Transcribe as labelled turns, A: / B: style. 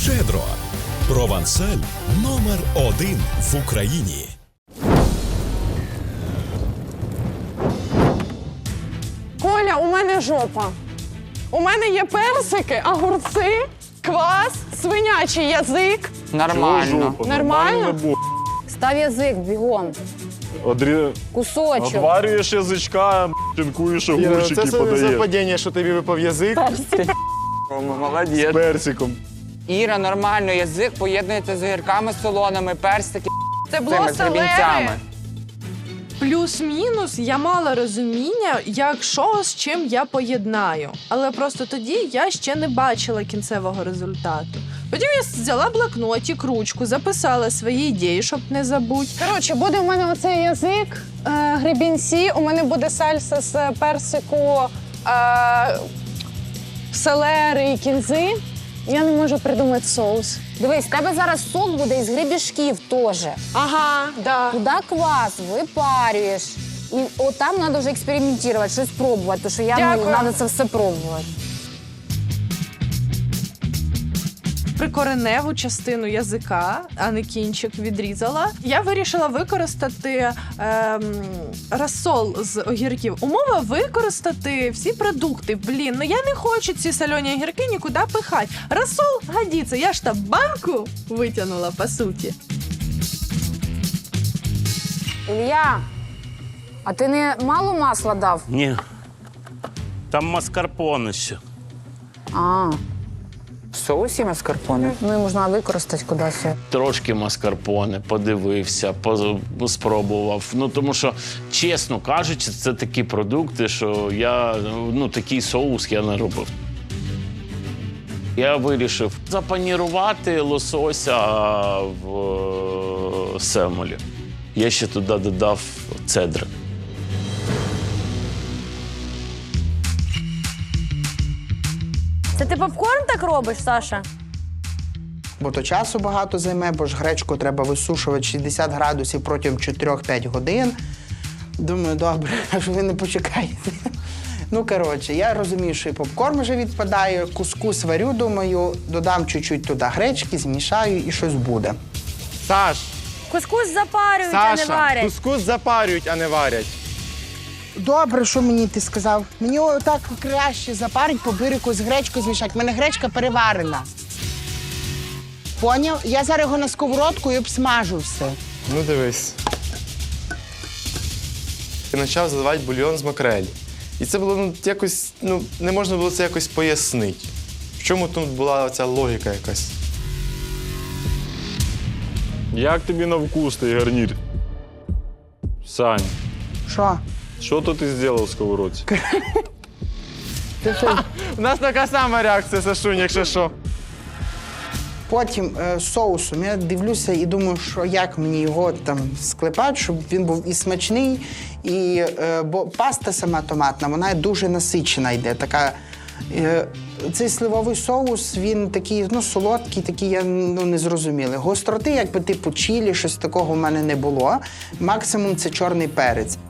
A: Щедро. Провансаль номер 1 в Україні.
B: Коля, у мене жопа. У мене є персики, огурці, квас, свинячий язик.
C: Нормально.
B: Нормально?
D: Став язик бігом. Кусочок.
E: Отварюєш язичка, шинкуєш огурчики,
F: Це
E: подаєш.
F: совпадіння, що тобі випав язик
C: Молодець.
F: з персиком.
C: Іра, нормально, язик поєднується з огірками солоними, персики,
B: Це було
C: цими гребінцями.
G: Плюс-мінус я мала розуміння, як що з чим я поєднаю. Але просто тоді я ще не бачила кінцевого результату. Потім я взяла блокнотик, ручку, записала свої ідеї, щоб не забути.
B: Коротше, буде у мене оцей язик, гребінці, у мене буде сальса з персику, селери і кінзи. Я не можу придумати соус.
D: Дивись, в тебе зараз сок буде із гребішків теж.
B: Ага, да.
D: Туди квас випарюєш. І отам треба вже експериментувати, щось пробувати, тому що треба це все пробувати.
G: Прикореневу частину язика, а не кінчик, відрізала. Я вирішила використати розсол з огірків. Умова використати всі продукти. Блін, ну я не хочу ці солені огірки нікуди пихати. Розсол годиться. Я ж та банку витягнула, по суті.
D: Ілля, а ти не мало масла дав?
H: Ні. Там маскарпоне ще.
D: А,
C: В соусі маскарпоне?
D: ну і можна використати кудись.
H: Трошки маскарпоне, подивився, спробував. Ну, тому що, чесно кажучи, це такі продукти, що я, такий соус я не робив. Я вирішив запанірувати лосося в семолі. Я ще туди додав цедри.
D: Це ти попкорн так робиш, Саша?
I: Бо то часу багато займе, бо ж гречку треба висушувати 60 градусів протягом 4-5 годин. Думаю, добре, аж ви не почекаєте. Ну, коротше, я розумію, що і попкорн вже відпадає, кускус варю, думаю, додам чуть-чуть туди гречки, змішаю і щось буде.
F: Саш,
D: Кускус запарюють, а не
F: Саша,
D: варять.
F: кускус запарюють, а не варять.
I: Добре, що мені ти сказав? Мені отак краще запарить, по бирику з гречкою змішати. У мене гречка переварена. Поняв? Я зараз його на сковородку і обсмажу все.
F: Ну дивись. І почав заливати бульйон з макрелі. І це було якось, не можна було це якось пояснити. В чому тут була ця логіка якась?
E: Як тобі на вкус той гарнір? Сань,
I: Що?
E: що то ти зробив в сковородці?
F: У нас така сама реакція, Сашунь, якщо що.
I: Потім соусом я дивлюся і думаю, що як мені його там склепати, щоб він був і смачний, і бо паста сама томатна, вона дуже насичена йде. Така, цей сливовий соус, він такий, солодкий, такий, я не зрозумілий. Гостроти, якби типу чилі, щось такого в мене не було. Максимум це чорний перець.